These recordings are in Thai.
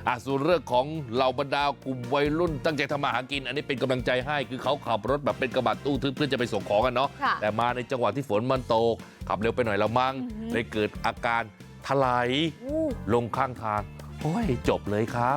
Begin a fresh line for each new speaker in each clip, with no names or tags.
ส่วนเรื่องของเหล่าบรรดากลุ่มวัยรุ่นตั้งใจทำมาหากินอันนี้เป็นกำลังใจให้คือเขาขับรถแบบเป็นกระบะตู้ทึบเพื่อจะไปส่งของกันเนาะแต่มาในจังหวะที่ฝนมันตกขับเร็วไปหน่อยละมั้งเลยเกิดอาการถลายลงข้างทางโอ้ยจบเลยครับ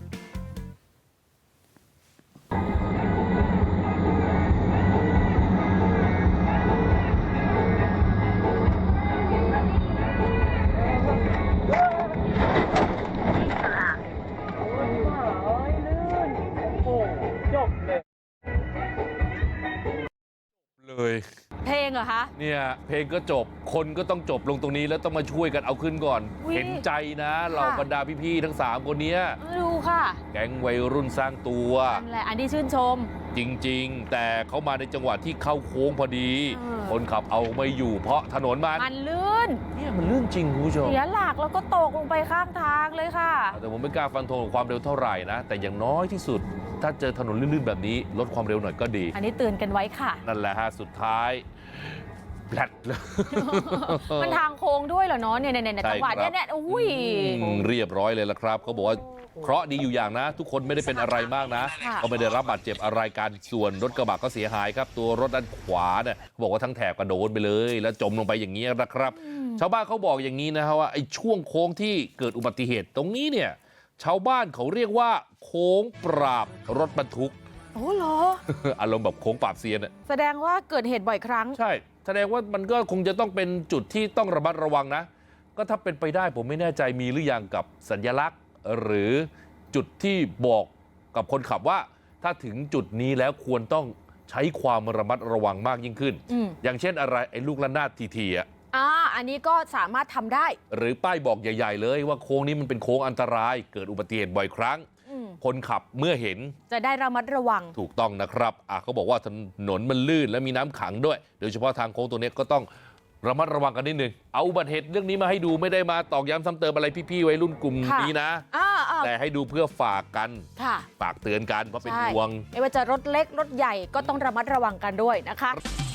เลย
เพลงเหรอคะ
เนี่ยเพลงก็จบคนก็ต้องจบลงตรงนี้แล้วต้องมาช่วยกันเอาขึ้นก่อนเห็นใจนะเหล่าบรรดาพี่ๆทั้ง3คนนี้
ดูค่ะ
แก๊งวัยรุ่นสร้างตัว
นั่นแหละอันนี้ชื่นชม
จริงๆแต่เขามาในจังหวะที่เข้าโค้งพอดีคนขับเอาไม่อยู่เพราะถนนมัน
ลื่น
เนี่ยมันลื่นจริงคุณผู้ชม
เสียหลักแล้วก็ตกลงไปข้างทางเลยค่ะ
แต่ผมไม่กล้าฟันธงความเร็วเท่าไหร่นะแต่อย่างน้อยที่สุดถ้าเจอถนนลื่นๆแบบนี้ลดความเร็วหน่อยก็ดี
อันนี้เตือนกันไว้ค่ะ
นั่นแหละฮะสุดท้ายแผลดเลย
มันทางโค้งด้วยเหรอเนาะเนี่ยจังหวะเนี่ยอุ้ย
เรียบร้อยเลยละครับเขาบอกว่าเคราะห์ดีอยู่อย่างนะทุกคนไม่ได้เป็นอะไรมากนะก็ไม่ได้รับบาดเจ็บอะไรกันส่วนรถกระบะก็เสียหายครับตัวรถด้านขวาเนี่ยบอกว่าทั้งแถบกระโดดไปเลยแล้วจมลงไปอย่างนี้นะครับชาวบ้านเขาบอกอย่างนี้นะฮะว่าไอ้ช่วงโค้งที่เกิดอุบัติเหตุตรงนี้เนี่ยชาวบ้านเขาเรียกว่าโค้งปราบรถบรรทุก
โอ้เหรอ
อารมณ์แบบโค้งปราบเซียน
แสดงว่าเกิดเหตุบ่อยครั้ง
ใช่แสดงว่ามันก็คงจะต้องเป็นจุดที่ต้องระมัดระวังนะก็ถ้าเป็นไปได้ผมไม่แน่ใจมีหรือยังกับสัญลักษณ์หรือจุดที่บอกกับคนขับว่าถ้าถึงจุดนี้แล้วควรต้องใช้ความระมัดระวังมากยิ่งขึ้นอย่างเช่นอะไรไอ้ลูกระนาดที
อันนี้ก็สามารถทำได้
หรือป้ายบอกใหญ่ๆเลยว่าโค้งนี้มันเป็นโค้งอันตรายเกิดอุบัติเหตุบ่อยครั้งคนขับเมื่อเห็น
จะได้ระมัดระวัง
ถูกต้องนะครับเขาบอกว่าถนนมันลื่นและมีน้ำขังด้วยโดยเฉพาะทางโค้งตัวนี้ก็ต้องระมัดระวังกันนิดนึงเอาอุบัติเหตุเรื่องนี้มาให้ดูไม่ได้มาตอกย้ำซ้ำเติมอะไรพี่ๆวัยรุ่นกลุ่มนี้นะแต่ให้ดูเพื่อฝากกันฝากเตือนกันเพราะเป็นห่วง
ไม่ว่าจะรถเล็กรถใหญ่ก็ต้องระมัดระวังกันด้วยนะคะ